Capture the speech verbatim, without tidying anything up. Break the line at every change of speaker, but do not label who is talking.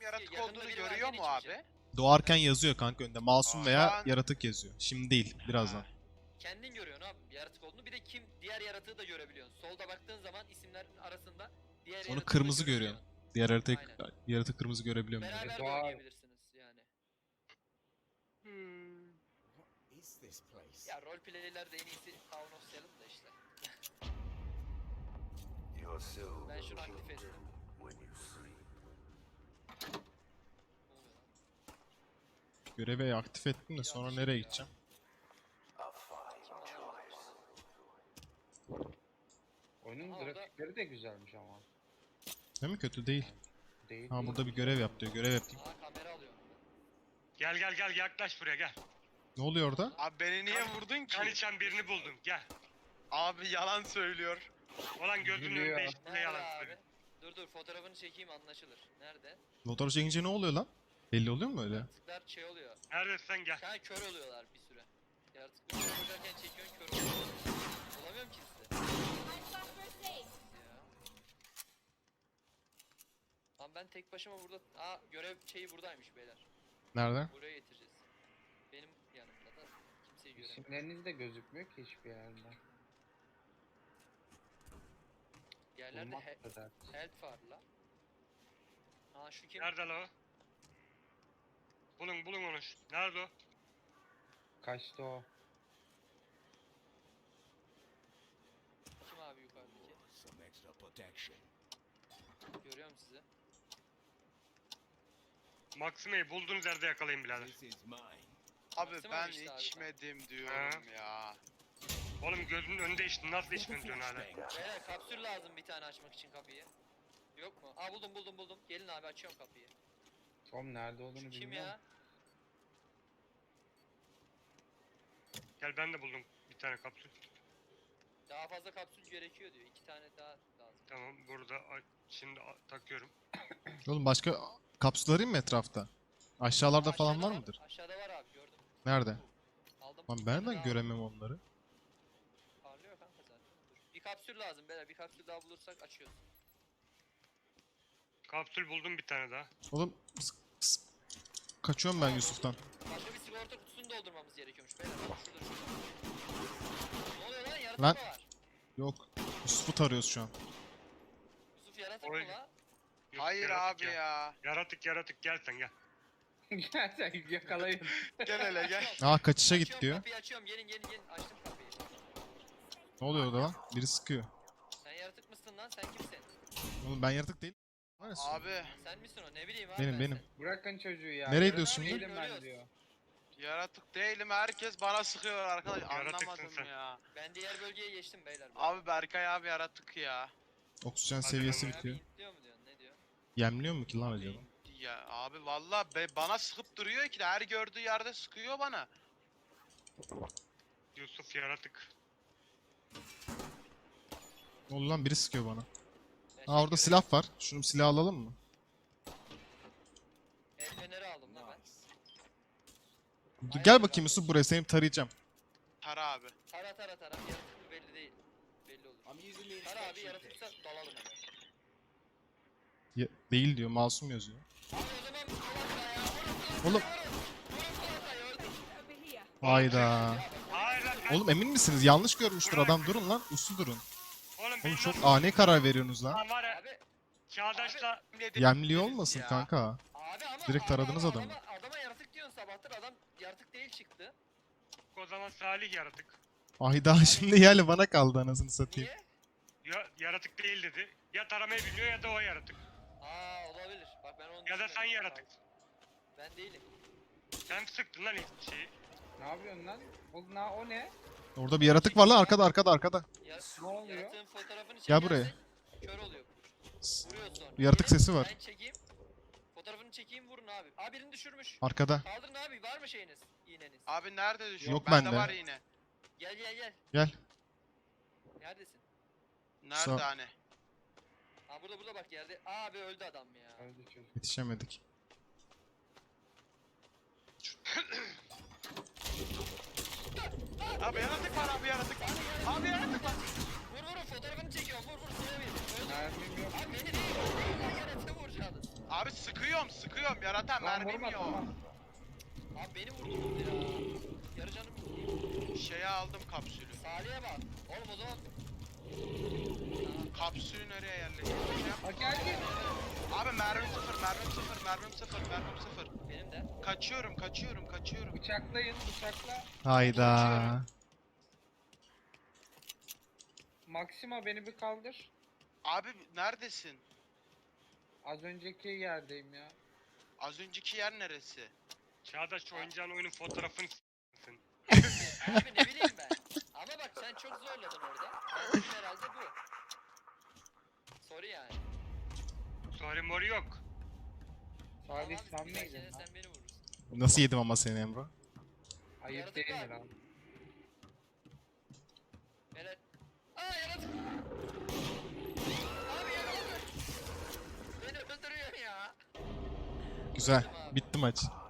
yaratık
Yakında
olduğunu
biri
görüyor
varken
mu
hiçbir şey.
abi?
Doğarken yazıyor kanka önünde. Masum
Aa,
veya
şu an-
yaratık yazıyor. Şimdi değil, birazdan.
Ha.
Kendin görüyorsun abi yaratık olduğunu. Bir de kim diğer yaratığı da görebiliyorsun. Solda baktığın zaman isimlerin arasında diğer
Onu
yaratığı da
kırmızı
görebiliyorsun.
görüyorsun. Diğer yaratık,
Aynen.
yaratık kırmızı görebiliyorum. Yani.
Beraber de
Doğar.
oynayabilirsiniz yani.
Hmm.
What is this place?
Ya roleplay'ler de en iyisi Town of Salem da işte.
Your soul
Ben şunu
will
aktif ettim.
when you sleep.
Ne oluyor lan?
Görevi aktif ettim de sonra nereye gideceğim?
A fine choice.
Oyunun
Ama orada-
grafikleri de güzelmiş ama.
Değil mi? Kötü değil.
Değil.
Ha
değil.
burada bir görev yap diyor. Görev yapayım.
Aa kamera alıyorum.
Gel gel gel yaklaş buraya gel.
Ne oluyor orada?
Abi beni niye vurdun ki?
Kan içen birini buldum gel.
Abi yalan söylüyor.
Olan gözünün
Gülüyor.
önünde işte ne
Nerede
yalan
abi?
söylüyor.
Dur dur fotoğrafını çekeyim anlaşılır. Nerede?
Fotoğraf çekince ne oluyor lan? Belli oluyor mu öyle?
Yaratıklar şey oluyor.
Neredesin gel.
Yani kör oluyorlar bir süre. Yaratıkları vururken çekiyorsun kör oluyor. Olamıyorum ki size. Ya. Lan ben tek başıma burada... Aa görev şeyi buradaymış beyler.
Nerede?
Buraya getireceğiz. Benim yanımda da kimseyi göremiyorum.
İsimleriniz de gözükmüyor ki hiçbir yerde.
Yerlerde
Bulmak
he
da dert.
health var la. Aa şu kim?
Nerede la o? Bulun bulun onu. Nerede o?
Kaçtı o.
Kim abi yukarıdaki?
Some extra protection.
Görüyorum sizi.
Maxime'yi bulduğunuz yerde yakalayın birader.
This is mine.
Abi
Baksana
ben
işte abi.
içmedim diyorum ya.
Oğlum gözünün önünde içtin nasıl içmedin diyorsun hala?
Beyler kapsül lazım bir tane açmak için kapıyı. Yok mu? Aa buldum buldum buldum. Gelin abi açıyorum kapıyı.
Tom nerede olduğunu
Şu kim
bilmiyorum.
ya?
Gel ben de buldum bir tane kapsül.
Daha fazla kapsül gerekiyor diyor. İki tane daha lazım.
Tamam burada a- şimdi a- takıyorum.
Oğlum başka kapsül arayayım mı etrafta? Aşağılarda falan
Aşağıda
var mıdır?
Aşağıda var abi gördüm.
Nerede?
Aldım.
Lan
Bir
ben
tane
de
daha
göremem onları.
aldım. Parlıyor kanka zaten. Dur. Bir kapsül lazım beyler. Bir kapsül daha bulursak açıyoruz.
Kapsül buldum bir tane daha.
Oğlum pıs- pıs. Kaçıyorum ben Yusuf'tan.
Başka bir sigorta kutusunu doldurmamız gerekiyormuş beyler. Bak şurada şurada. Ne oluyor lan? Yaratık
Lan.
mı var?
Yok. Yusuf'u tarıyoruz şu an.
Yusuf yaratık
Oy.
mı la?
Yok,
Hayır
yaratık
abi ya.
Yaratık yaratık gel sen gel.
Gerçekten yakalayın.
Gel hele gel.
Aa kaçışa git
Açıyorum,
diyor.
Kapıyı açıyorum. Gelin gelin gelin. Açtım kapıyı.
Ne oluyor orada lan? Biri sıkıyor.
Sen yaratık mısın lan? Sen kimsin?
Oğlum ben yaratık değilim. Neresi?
Abi
Sen misin o? Ne bileyim abi
Benim
ben
benim.
seni.
Bırakın çocuğu ya.
Nereye
Yaratık
gidiyorsun
şimdi?
değilim ben
Ölüyoruz.
diyor.
yaratık değilim, herkes bana sıkıyor arkadaş.
Yaratıksın
Anlamadım
sen.
ya.
Ben diğer bölgeye geçtim beyler.
Abi Berkay abi yaratık ya.
Oksijen
Hadi
seviyesi
bakalım.
bitiyor.
Diyor mu diyorsun? Ne diyor?
Yemliyor mu ki lan acaba?
Ya abi valla be, bana sıkıp duruyor ki de her gördüğü yerde sıkıyor bana.
Yusuf yaratık.
Ne oldu lan? Biri sıkıyor bana.
Ben
Aa orada
şey
silah var. Şunu silah alalım mı?
El feneri aldım lan ben.
Nice.
Dur, gel bakayım Yusuf buraya seni tarayacağım.
Tara abi.
Tara tara tara. Yaratık mı belli değil. Belli olur.
I'm using the
Tara abi
inspection
yaratıksa
test.
dalalım hemen.
Ya- değil diyor. Masum yazıyor.
Abi o zaman kulakla ya.
Oğlum.
Vurun kulakla gördüm.
Hayda.
Hayır lan ben-
Oğlum emin misiniz? Yanlış görmüştür adam. Durun lan. Uslu durun.
Oğlum,
Oğlum
benim
çok
nasıl-
ani karar veriyorsunuz lan.
Lan var ya
Abi
çağdaşla
Yemliyor olmasın
Ya.
kanka.
abi ama
Direkt
ama-
taradınız
ama
adamı.
Adama, adama yaratık diyorsun sabahtır adam yaratık değil çıktı.
o zaman Salih yaratık.
Hayda şimdi yerle bana kaldı anasını satayım.
Niye?
Ya, yaratık değil dedi. Ya taramayı biliyor ya da o yaratık.
Aa olabilir. Bak ben onu
Ya da
düşünmedim.
sen yaratık.
Ben değilim.
Sen sıktın lan ilk şeyi.
Ne yapıyorsun lan? O, na, o ne?
Orada bir yaratık var lan arkada arkada arkada.
Ya,
Ne oluyor?
Yaratığın fotoğrafını
Gel buraya.
çekersek Kör oluyor. Vuruyor sonra.
Yaratık
Gelin,
sesi var.
Ben çekeyim. Fotoğrafını çekeyim vurun abi. Aa birini düşürmüş.
Arkada.
Kaldırın abi var mı şeyiniz? İğneniz.
Abi nerede düşüyor?
Yok
bende.
bende.
var yine.
Gel gel gel.
Gel.
Neredesin?
Nerede
Sağ-
hani?
Aa burada burada bak yerde. Aa abi öldü adam ya.
Öldü çocuk.
Yetişemedik.
Abi yaratık var abi yaratık. Abi yaratık var.
Vur vur fotoğrafını çekiyorum vur vur. Seni bir. Öldü.
Mermim yok.
Abi beni değil. Beni yaratığı vuracaksınız.
Abi sıkıyorum sıkıyorum yaratan
Lan
mermim
vurma
yok.
tamam.
Abi beni vurdunuz ya. Yarı canım yok.
Şeye aldım kapsülü.
Salih'e bak. Oğlum o zaman.
Kapsülü nereye yerleştireceğim?
Bak geldi.
Abi mermim sıfır, mermim sıfır, mermim sıfır, mermim sıfır.
Benim de.
Kaçıyorum, kaçıyorum, kaçıyorum.
Bıçaklayın bıçakla.
Hayda.
Maxima beni bir kaldır.
Abi neredesin?
Az önceki yerdeyim ya.
Az önceki yer neresi?
Çağdaş oyuncağın oyunun fotoğrafını s**sın.
Abi ne bileyim ben. Ama bak sen çok zorladın orada. Ben dedim herhalde bu. Sorry yani.
Sorry mori yok.
Salih
Tamam,
sen
bir
miydin
dahakine
lan?
sen beni vurursun.
Nasıl yedim ama seni Emre?
Ayıp
Yaratık
değil mi
var.
lan?
Evet. Aa yaratık. Abi yaratık. Beni öldürüyor ya.
Güzel. Bitti maç.